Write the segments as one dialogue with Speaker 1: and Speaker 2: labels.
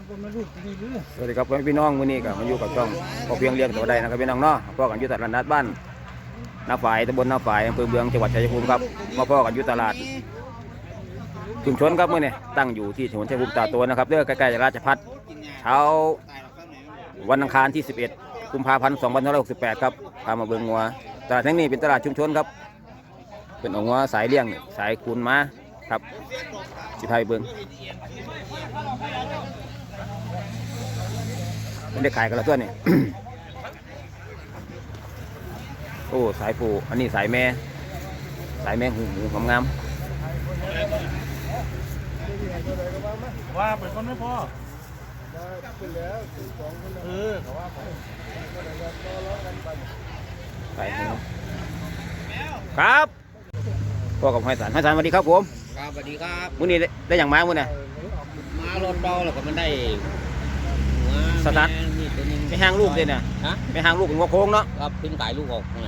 Speaker 1: สวัสดีครับพี่น้องวันนี้ก็มาอยู่กับช่องพอเพียงเลี้ยงตัวใดนะครับพี่น้องเนาะพ่อกันอยู่ตลาดนัดบ้านนาฝ่ายตำบลนาฝ่ายอำเภอเมืองจังหวัดชัยภูมิครับมาพ่อกันอยู่ตลาดชุมชนครับเมื่อนี้ตั้งอยู่ที่ถนนชัยภูมิตาโตนะครับเรื่องใกล้ๆราชพัฒเช้าวันอังคารที่11 กุมภาพันธ์ 2568ครับพามาเบิ่งงัวตลาดแห่งนี้เป็นตลาดชุมชนครับเป็นงัวสายเลี้ยงสายคูนม้าครับสิพาไปเบิ่งไม่ได้ขายกันแล้วตัวนี่ โอ้สายปูอันนี้สายแม่หูงาม
Speaker 2: ว่าเป็นคนไม่พอ
Speaker 1: สายหูครับพ่อกับห้อยสันสวัสดีครับผม
Speaker 3: ครับสวัสดีครับ
Speaker 1: มื้อนี้ได้อย่างม้ามื้อน่ะ
Speaker 3: มารถเบาแล้วก็มันได้
Speaker 1: สตาร์ทไม่ห่างลูกเลยเนี่ยไม่ห่างลูกเป็นหัวโค้งเนาะ
Speaker 3: ครับขึ้นไก่ลูกออกเนี่ย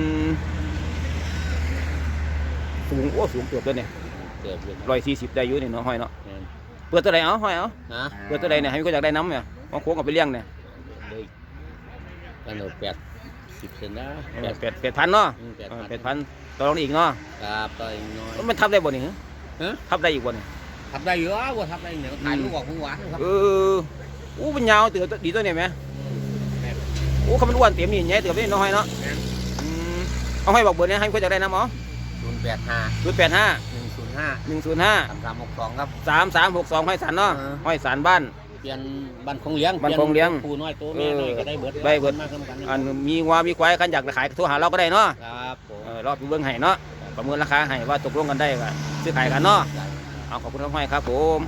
Speaker 1: สูงสูงเกือบเลยเนี่ย140ได้อยู่เนี่ยเนาะห้อยเนาะเปิดตัวใดห้อยเปิดตัวใดเนี่ยให้ก็อยากได้น้ำเนี่ยหัวโค้งเอาไปเลี้ยงเนี่ย
Speaker 3: กันหนู80เซนนะ
Speaker 1: 8,000เนาะ8,000ต่อรองอีกเนาะ
Speaker 3: ครับต่ออีกน้อย
Speaker 1: มันทับได้บ่นี่ทับได้อีกบ่นี่
Speaker 3: ทับได้เยอะว่าทับได้เนี่ยไก่ลูกออกหวานครับ
Speaker 1: เป็นยาวเตือดีตัวเนี่ยไหมเขามันอ้วนเต็มนี่แง่เตือไม่น้อยเนาะเอาให้บอกเบอร์นี้ให้เขาจะได้น้ำอ๋อ085 105
Speaker 3: 3362ครับ
Speaker 1: 3362ห้อยสันเนาะห้อยสันบ้าน
Speaker 3: เปลี่ยนบ้านคงเลี้ยงปูน้อยตัวแม่น้อยก็ได้เบิดมากกัน
Speaker 1: อันมีงัวมีควายขันอยากขายโทรหาเราก็ได้เนาะ
Speaker 3: ครับ
Speaker 1: รอบเบื้องให้เนาะประเมินราคาให้ว่าตกลงกันได้ก็ซื้อขายกันเนาะเอาขอบคุณห้อยครับผม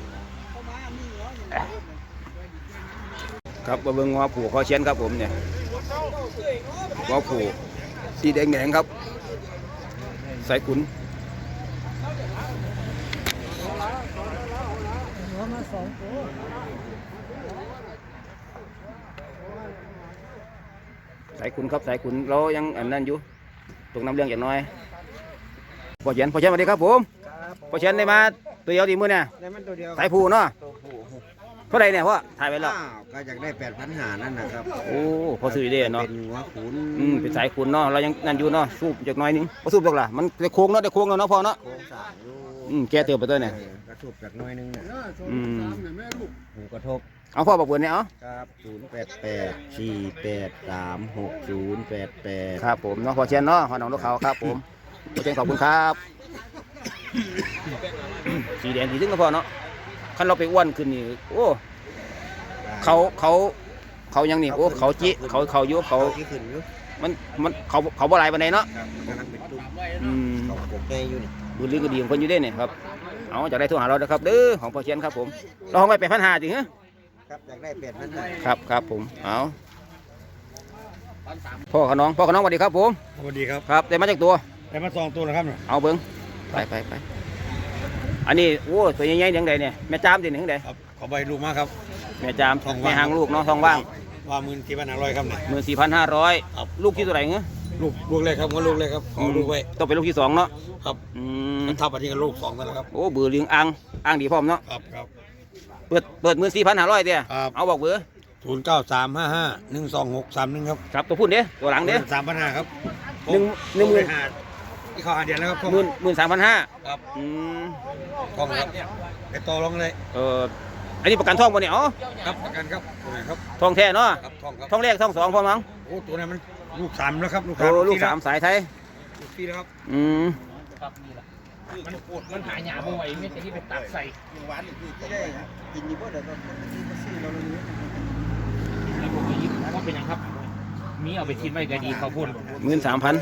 Speaker 1: ครับมาเบิ่งงัวผูคอเชียนครับผมเนี่ยงัวผูสีแดงครับสายขุนสายขุนครับสายขุนเรายังอันนั้นอยู่ตรงน้ำเลี้ยงอย่างน้อยพอเชียนสวัสดีครับผมพอเชียนได้มาตัวเดียวดีมือเนี่ยสายผูเนาะเท่าไรเนี่ยพ่อถ่ายไปแล้ว
Speaker 3: ก็อยากได้8,500นั่นนะครับ
Speaker 1: โอ้พอซื้อได้เนาะ
Speaker 3: เป็นหัวขุน
Speaker 1: เป็นสายขุนเนาะเรายังนั่นอยู่เนาะสูบจากน้อยนึงสูบจากละมันได้โค้งเนาะได้โค้งแล้วเนาะพ่อเนาะ
Speaker 3: โค้งสาม
Speaker 1: แกเติบไปตัวเนี่ย
Speaker 3: กระทบจากน้อยนึงเนี่ยหูกระทบ
Speaker 1: เอาพ่อบอกเบอร์เนี่ย
Speaker 3: ครับ088-483-6088
Speaker 1: ครับผมเนาะพอเชียนเนาะพ่อน้องลูกเขาครับผมพอเชียนขอบคุณครับสีแดงสีถึงก็พอเนาะคันเราไปอ้วนขึ้นนี่โอ้เขายังนี่โอ้เขาจี้เขายุเขามันเขาบ่ไหลบันไดเนาะ
Speaker 3: เขาโกแก่อยู่นี่
Speaker 1: ดูลึกก็ดีของคนอยู่ได้เนี่ยครับเอาจากได้โทรหาเรานะครับเด้อของพอเชียนครับผมเราห้องไป8,500จริงเหรอ
Speaker 3: ครับอยากได้8,500
Speaker 1: ครับผมเอาพ่อขน้องสวัสดีครับผม
Speaker 2: สวัสดีครับ
Speaker 1: ครับได้มาจากตัว
Speaker 2: ได้มา2ตัวแล้วครับ
Speaker 1: เอาเบิ้งไปอันนี้โอ้ตัวใหญ่ๆอย่างใดเนี่ยแม่จามติอย่างใด
Speaker 2: ครับขอใบลูกมาครับ
Speaker 1: แม่จามแม่หางลูกเนาะทองว่าง
Speaker 2: ว่า14,500ครับ
Speaker 1: เนี่ย14,500ลูกที่ตัวไหนเงี้ย
Speaker 2: ลูกแรกครับลูกแรกครับขอลูกไว้
Speaker 1: ต้องเป็นลูกที่2เนาะ
Speaker 2: ครับมันทับอันนี้กับลูก2นั่นแหละครับ
Speaker 1: โอ้เบอร์เลี้ยงอ่างดีพร้อมเนาะ
Speaker 2: ครับ
Speaker 1: เปิด14,500เตี้ยเอาบอกเบอร์
Speaker 2: 0935512631ครับ
Speaker 1: ครับตัวพุ่นเด้ตัวหลังเด้
Speaker 2: 3,500ครับ
Speaker 1: 10,000
Speaker 2: ที่เขาหาเดือนแล้วครับ
Speaker 1: 13,500
Speaker 2: ครับทองครับไปต่อรองเลย
Speaker 1: อันนี้ประกันทองบ่เนี่ยอ๋อ
Speaker 2: ครับประกันครับครับ
Speaker 1: ทองแท้เนาะ
Speaker 2: ทอง
Speaker 1: แรกทอง2พอมั้ง
Speaker 2: โอ้ตัวนั้นมันลูก3แล้วครับ
Speaker 1: ลูก3สายไทย
Speaker 2: ลูก4แล้วครับ
Speaker 3: ครับนี่แหละมันหายหยาบ่ไหวไม่ใช่ที่ไปตักใส่
Speaker 2: หวานอีกจะได้กินอยู่บ่เดี๋ยวมันซื้อเราเลย
Speaker 3: ว่าเป็นยังครับมีเอาไปทิ้งไว้ก็ดีเขาพูด
Speaker 1: 13,000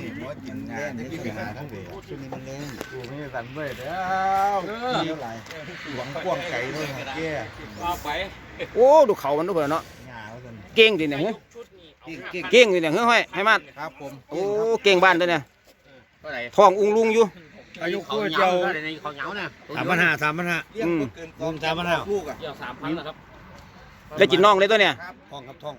Speaker 2: สั่นเว้ยแล้วหวังกว้างไก่ด้วยแก่
Speaker 1: โอ้ดูเขามันดูเผื่อเนาะเก่งดิเนี่ยเก่งดิเนี่ยห้อยให้มา
Speaker 2: ครับผม
Speaker 1: โอ้เก่งบ้านด้วยเนี่ยทองอุ้งลุงอยู่
Speaker 2: อายุคู่เจ้า
Speaker 3: เขาเหงาเนี่ย
Speaker 2: 3,500
Speaker 3: ลูกอ่ะ3,000นะครับ
Speaker 1: ได้จินน้องเลยตัวเนี่ย
Speaker 2: ทองครับทอง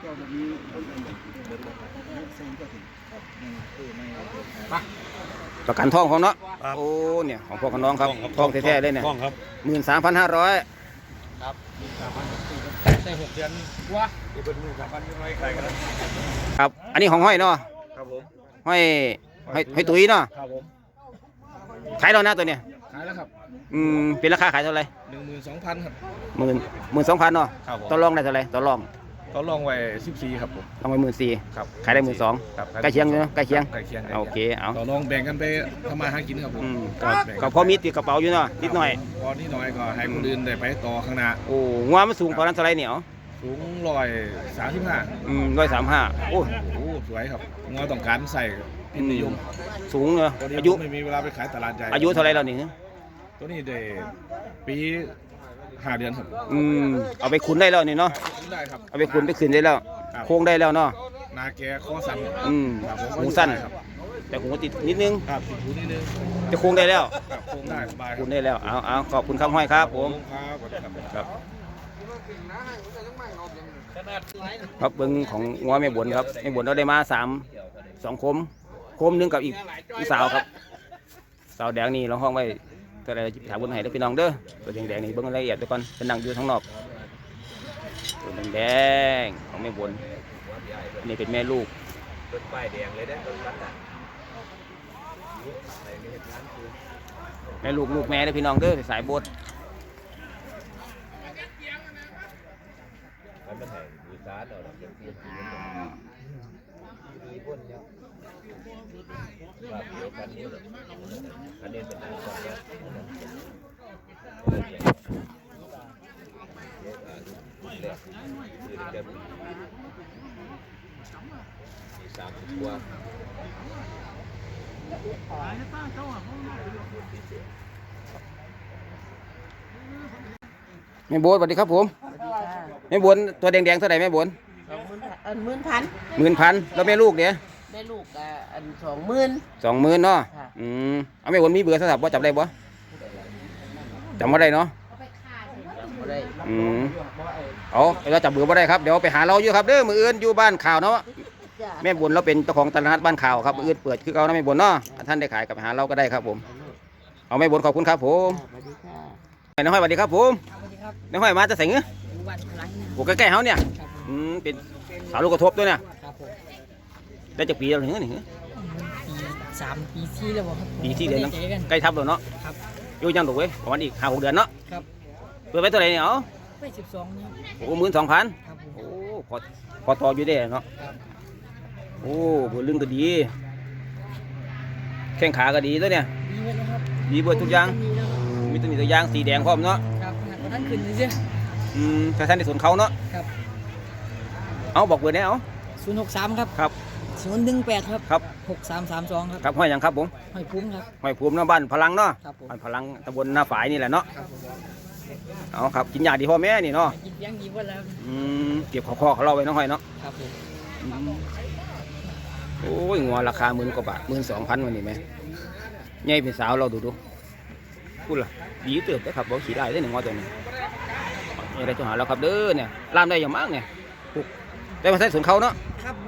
Speaker 1: ประกันทองของเนาะโอ้เนี่ยของพ่อกับน้องครับทองแท้ๆเลยเนี่ย13,500
Speaker 3: ครับได้6 เดือนวะที่เป็นมือ3,000ยังไงใครกัน
Speaker 1: ครับอันนี้ของห้อยเนาะ
Speaker 3: ครับผม
Speaker 1: ห้อยตุ้ยเนาะ
Speaker 3: ครับผม
Speaker 1: ขายแล้วนะตัวเนี้ย
Speaker 3: ขายแล้วครับ
Speaker 1: เป็นราคาขายเท่าไหร่
Speaker 3: 12,000ครับ
Speaker 1: 12,000เนาะ
Speaker 3: ครับผม
Speaker 1: ต่อรองได้เท่าไหร่ต่อรอง
Speaker 3: เขาลองไว้14ครับผม
Speaker 1: ลองไป14,000
Speaker 3: ครับ
Speaker 1: ขายได้12,000
Speaker 3: ครับ
Speaker 1: ใกล้เคียงเนาะใกล้เคียง
Speaker 3: ใกล้เคียง
Speaker 1: โอเคเอา
Speaker 3: ต่อรองแบ่งกันไปทำมาหากินครับผม
Speaker 1: ก็พอมีติดกระเป๋าอยู่เนาะนิดหน่อย
Speaker 3: พอนี่น้อยก็ให้คนอื่นได้ไปต่อข้างหน้า
Speaker 1: โอ้งัวมันสูงกว่านั้นเท่าไหร่เนี่ย
Speaker 3: สูง135
Speaker 1: 135โอ้
Speaker 3: โอ้สวยครับงัวต้องการใส่พิมพ์นิยม
Speaker 1: สูงเนาะ
Speaker 3: ตัวนี้
Speaker 1: อายุ
Speaker 3: ไม่มีเวลาไปขายตลาดใหญ่
Speaker 1: อายุเท่าไหร่แล้วนี่
Speaker 3: ตัวนี้ได้ปี5 เดือนครับ
Speaker 1: เอาไปขุนได้แล้วนี่เนาะ
Speaker 3: ได้ครับ
Speaker 1: เอาไปขุนไปขืนได้แล้ว
Speaker 3: ครับ
Speaker 1: โค้งได้แล้วเนาะ
Speaker 3: นาแกข้อสั่น ครับผม
Speaker 1: หูสั้น
Speaker 3: ครับ
Speaker 1: แต่หูติดนิดนึง
Speaker 3: ครับติดหูนิดนึง
Speaker 1: จะโค้งได้แล้ว
Speaker 3: ครับโค้งได้สบายค
Speaker 1: ขุ
Speaker 3: รับ
Speaker 1: นได้แล้วเอาขอบคุณครับห้อยครับผม
Speaker 3: ครับครับ
Speaker 1: ครับเบิ้งของงัวแม่บนครับแม่บนเราได้มา2 โคมหนึงกับอีกสาวครับสาวแดงนี่เราห้องไว้ตัวอะไรถามบนให้เด้อพี่น้องเด้อตัวแดงๆนี่เบิ้งรายละเอียดไปก่อนเป็นนั่งอยู่ข้างนอกตัวแดงๆของแม่บนอันนี้เป็นแม่ลูกแม่ลูกแม่เด้อพี่น้องเด้อสายบดแม่บนสวัสดีครับผมแม่บนตัวแดงๆเท่าไหร่แม่บน
Speaker 4: 10,000
Speaker 1: แล้วแม่ลูกเดี๋ยว
Speaker 4: ได้ลูกอัน20,000
Speaker 1: 20,000เนาะ
Speaker 4: ค่ะ
Speaker 1: เอาแม่บนมีเบอร์โทรศัพท์บ่จับได้บ่จำบ่ได้เนาะ
Speaker 4: บ่ได้
Speaker 1: เอาเราจับเบอร์บ่ได้ครับเดี๋ยวไปหาเราอยู่ครับเด้อมื้ออื่นอยู่บ้านข่าวเนาะ
Speaker 4: จ้ะ
Speaker 1: แม่บนเราเป็นเจ้าของตลาดนัดบ้านข่าวครับมื้ออื่นเปิดคือเก่านะแม่บนเนาะถ้าท่านได้ขายกับไปหาเราก็ได้ครับผมเอาแม่บนขอบคุณครับผม
Speaker 4: สวัสดีค่ะ
Speaker 1: น้องห้อยสวัสดีครับผม
Speaker 4: สวัสดีครับ
Speaker 1: น้องห้อยมาจะใส่เงื้อ
Speaker 4: วันพลัง
Speaker 1: โอ้ใกล้ๆเฮาเนี่ยเป็นสาวลูกกระทบด้วยเนี่ย
Speaker 4: ครับผม
Speaker 1: ได้จากปีแล้วถึงนี่
Speaker 4: ปี3ปี4แล้วบ่ครับ
Speaker 1: ปีที่เดือน
Speaker 4: เจอกัน
Speaker 1: ใกล้ทับแล้วเนาะ
Speaker 4: ครับ
Speaker 1: อยู่ยังถูกเว้ยประมาณอีก5-6 เดือนเนาะ
Speaker 4: ครับ
Speaker 1: เปิดไปเท่าไหร่เนี่ยเอา
Speaker 4: ไป12เนี่ย
Speaker 1: โอ้12,000
Speaker 4: ครับผม
Speaker 1: โอ้พอต่ออยู่ได้เนาะ
Speaker 4: ครับ
Speaker 1: โอ้บัวลึงก็ดีแข้งขาก็ดีตัวเนี่ย
Speaker 4: ดีไว้แล้วครับ
Speaker 1: ดีเบิดทุกอย่าง
Speaker 4: มีแล้วครับ
Speaker 1: มีตัวนี้ตัวอย่างสีแดงพร้อมเนาะ
Speaker 4: ครับขนาดว่าท่านขึ้นเลยเจ้
Speaker 1: ถ้าท่านในสวนเขาเนาะ
Speaker 4: ครับ
Speaker 1: เอาบอกเบอร์ได้เอา
Speaker 4: 063ครับ
Speaker 1: ครับ
Speaker 4: 018ครับ
Speaker 1: ครับ
Speaker 4: 6332ครับ
Speaker 1: ครับห้อยหยังครับผม
Speaker 4: ห้อยคุ้มครับ
Speaker 1: ห้อยภูมิเนาะบ้านพลังเนาะ
Speaker 4: ครับผม
Speaker 1: บ้านพลังตำบลนาฝายนี่แหละเนาะ
Speaker 4: ครับผม
Speaker 1: เอาครับกินยาดีพ่อแม่นี่เนาะ
Speaker 4: กินเลี้ยงดีกว่าแล้ว
Speaker 1: เก็บข้อเขาเราไว้เน้องห้อยเนาะ
Speaker 4: ครับผม
Speaker 1: โอ้ยงัวราคา10,000 กว่าบาท12,000วันนี้ไหมใหญ่เป็นสาวเราดูพูดล่ะดีเติบได้ครับบอกขี่ได้ได้หนึ่งงัวตัวนี้นี่ได้จะหาเราครับเด้อเนี่ยล่ามได้อย่างมากเนี่ยปลูกได้มาใช้สวนเขาเนาะ
Speaker 4: ครับ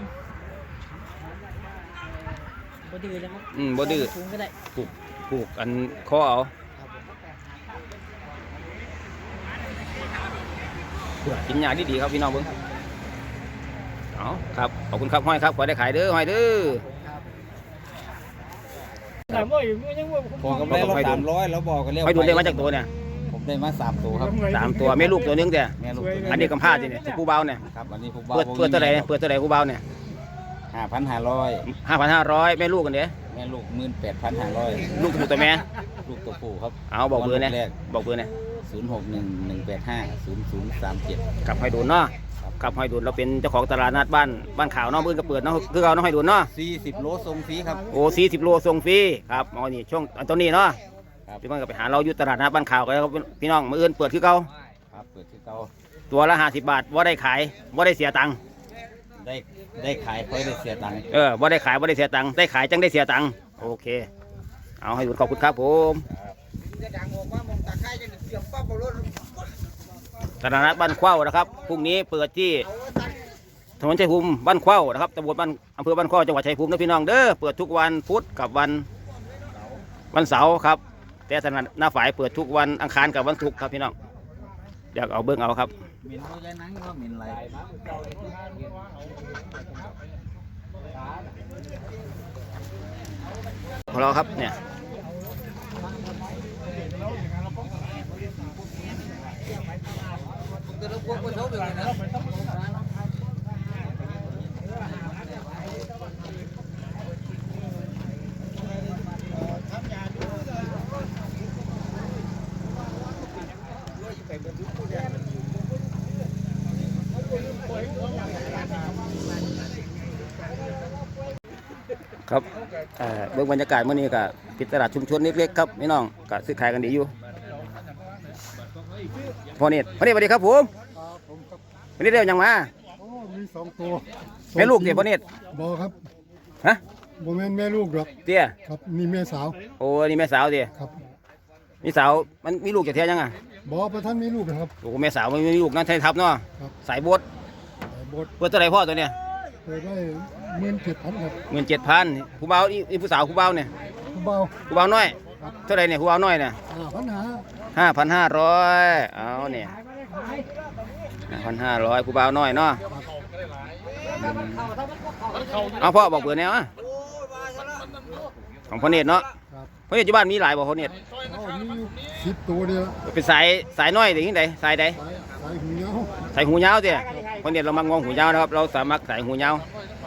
Speaker 4: บ่ดื้อแล้วครับ
Speaker 1: บ่ดื้อ
Speaker 4: สูงก็ได้
Speaker 1: ปลูกอันข้อเอา
Speaker 4: ครับผม
Speaker 1: กินยาดีๆครับพี่น้องเบิ้งเอาครับขอบคุณครับห้อยครับขอได้ขายเด้อห้อยเด้อ
Speaker 4: ถามว่าอยู่ยังว่า
Speaker 2: พอกำไรเรา300แล้วบอกกันเรียก
Speaker 1: ห้อยดูได้มาจากตัวเนี่ย
Speaker 2: ผมได้มา3ตัวครับ
Speaker 1: 3 ตัวแม่ลูกตัวนึงแต่
Speaker 2: แม่ลูก
Speaker 1: อันนี้กำพร้าจีเนี่ยผู้เบาเนี่ย
Speaker 2: ครับอันนี้ผม
Speaker 1: เปิดเท่าไหร่เปิดเท่าไหร่ผู้เบาเนี่ย
Speaker 2: 5,500
Speaker 1: 5,500แม่ลูกกันเด้
Speaker 2: แม่ลูก18,500
Speaker 1: ลูกตัวแม่
Speaker 2: ลูกตัวผู้ครับ
Speaker 1: เอาบอกเบอร์เนี่ย
Speaker 2: แรก
Speaker 1: บอกเบอร์เนี่ย
Speaker 2: 0611850037
Speaker 1: กับห้อยดูนเนาะกับห้อยดูนเราเป็นเจ้าของตลาดนัดบ้านข่าวเนาะมื้อก็เปิดเนาะคือเราเนาะห้อยดูนเนาะ
Speaker 2: 40 โลส่งฟรีครับ
Speaker 1: โอ้40 โลส่งฟรีครับอ๋อนี่ช่วงอันตัวนี้เนาะ
Speaker 2: ครับ
Speaker 1: พี่น้องก็ไปหาเราอยู่ตลาดนัดบ้านข่าวกันครับพี่น้องมื้ออื่นเปิดคือเก่า
Speaker 2: ครับเปิดที่เก่า
Speaker 1: ตัวละ50 บาทว่าได้ขายว่าได้เสียตังค์
Speaker 2: ได้ขายค่อยได้เสียตังค์
Speaker 1: ว่าได้ขายว่าได้เสียตังค์ได้ขายจังได้เสียตังค์โอเคเอาให้ดูขอบคุณครับผมตลาดนัดบ้านเข้านะครับพรุ่งนี้เปิดที่ถนนชัยภูมิบ้านเข้านะครับตำบลบ้านอำเภอบ้านเข้าจังหวัดชัยภูมินะพี่น้องเด้อเปิดทุกวันพุธกับวันเสาร์ครับแต่ตลาดหน้าฝ่ายเปิดทุกวันอังคารกับวันศุกร์ครับพี่น้องอยากเอาเบิ้งเอาครับ
Speaker 2: เหม็นตัวใหญ่นังก็เหม็นไหล
Speaker 1: ของเราครับเนี่ยครับเบื้องบรรยากาศเมื่อนี้ก็ติดตลาดชุมชนเล็กๆครับพี่น้องก็ซื้อขายกันดีอยู่พ่อเนตรสวัสดีครับผมวันนี้เรียกยังมา
Speaker 5: โอ้มีสองตัว
Speaker 1: แม่ลูกเดี๋ยวพ่อเนตร
Speaker 5: บอครับ
Speaker 1: ฮะ
Speaker 5: บ่แม่นแม่ลูกหรอก
Speaker 1: เตี้ย
Speaker 5: ครับนี่แม่สาว
Speaker 1: โอ้นี่แม่สาวเตี้ย
Speaker 5: ครับ
Speaker 1: มีสาวมันมีลูกจากเทียยังอ่ะ
Speaker 5: บอประท่านมีลูกนะครับ
Speaker 1: โอ้แม่สาวมันมีลูกนั่นไทยทับเนาะ
Speaker 5: ครับ
Speaker 1: สายบด
Speaker 5: แต่บท
Speaker 1: เปิดเท่าไหรพ่อตัวเนี้ย
Speaker 5: เปิดได้17,000ครับ
Speaker 1: 17,000ผู้เบาอีผู้สาวผู้เบาเนี่ย
Speaker 5: ผู้เบา
Speaker 1: ผู้เบาน้อยเท่าไหรเนี่ยผู้เบาน้อยเนี่ย
Speaker 5: 5,500
Speaker 1: 5,500เอาเนี่ย5,500ผู้เบาน้อยเนาะเอาพ่อบอกเบอร์แนวอ่ะของพ่อเนตรเนาะ
Speaker 5: ครับ
Speaker 1: พ่อเนตรอยู่บ้านมีหลายบ่พ่อเนตร
Speaker 5: อ๋อมีอยู่10ตัวเดียว
Speaker 1: เป็นสายน้อยหรือยังไงสายใด
Speaker 5: สายหูเหนียว
Speaker 1: สายหูยาวเตี้ยพ่อเนตรเรามางองหูยาวนะครับเราสามารถสายหูยาว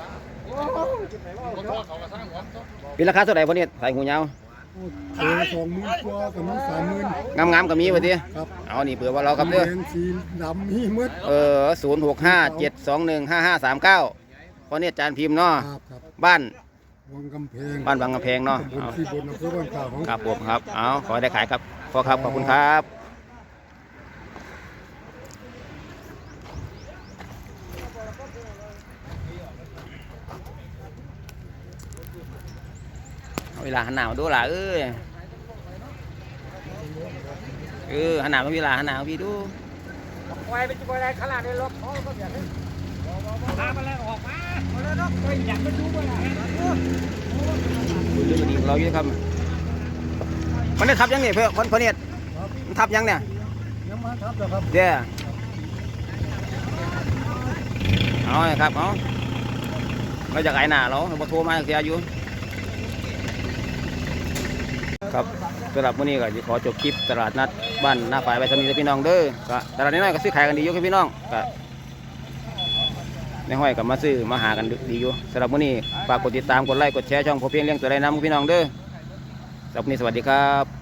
Speaker 1: เป็นราคาเท่าไหร่พ่อเนตรสายหูยาว
Speaker 5: โอ้ตัว20,000กว่ากับมี30,000
Speaker 1: งามๆก็มีวะที
Speaker 5: ครับ
Speaker 1: เอานี่เผื่อว่าเราครับเด้อ
Speaker 5: แดงสีดำมีหมด
Speaker 1: 0657215539พ่อเนตรจานพิมพ์เนาะ
Speaker 5: ครับ
Speaker 1: บ้าน
Speaker 5: วงกำแพง
Speaker 1: บ้านบางกำแพงเนาะ
Speaker 5: ตำบลที่บนอำเภอบ้านข่าวของ
Speaker 1: ครับผมครับ เอาขอให้ได้ขายครับพ่อครับ ขอบคุณครับเอาเวลาหันหน้ามาดูล่ะเอ้ยหันหน้ามาเวลาหันหน้ามาพี่ดู
Speaker 4: ไว้เป็นตัวอะไรขนาดในรถเขาก็อยากให้พามาแล้วออกมาแล้วเนาะอยากไปดูว่า
Speaker 1: ดูดีของเราอยู่ครับมันได้ทับยังเนี่ยเพื่อนคนเนี่ยมันทับยังเนี่ย
Speaker 5: ยังมาทับเหรอครับ
Speaker 1: เดี๋ยวเอาเลยครับเอาเราจะขายหน้าเราเราโทรมาเสียอยู่ครับสำหรับวันนี้ก็จะขอจบคลิปตลาดนัดบ้านหน้าฝ่ายไปทำนี้พี่น้องเด้อก็ตลาดน้อยๆก็ซื้อขายกันดีอยู่ครับพี่น้องก็ในห้อยกับมาซื้อมาหากันดีอยู่สำหรับวันนี้ฝากกดติดตามกดไลค์กดแชร์ช่องพอเพียงเลี้ยงตัวไรน้ำพี่น้องเด้อสำหรับวันนี้สวัสดีครับ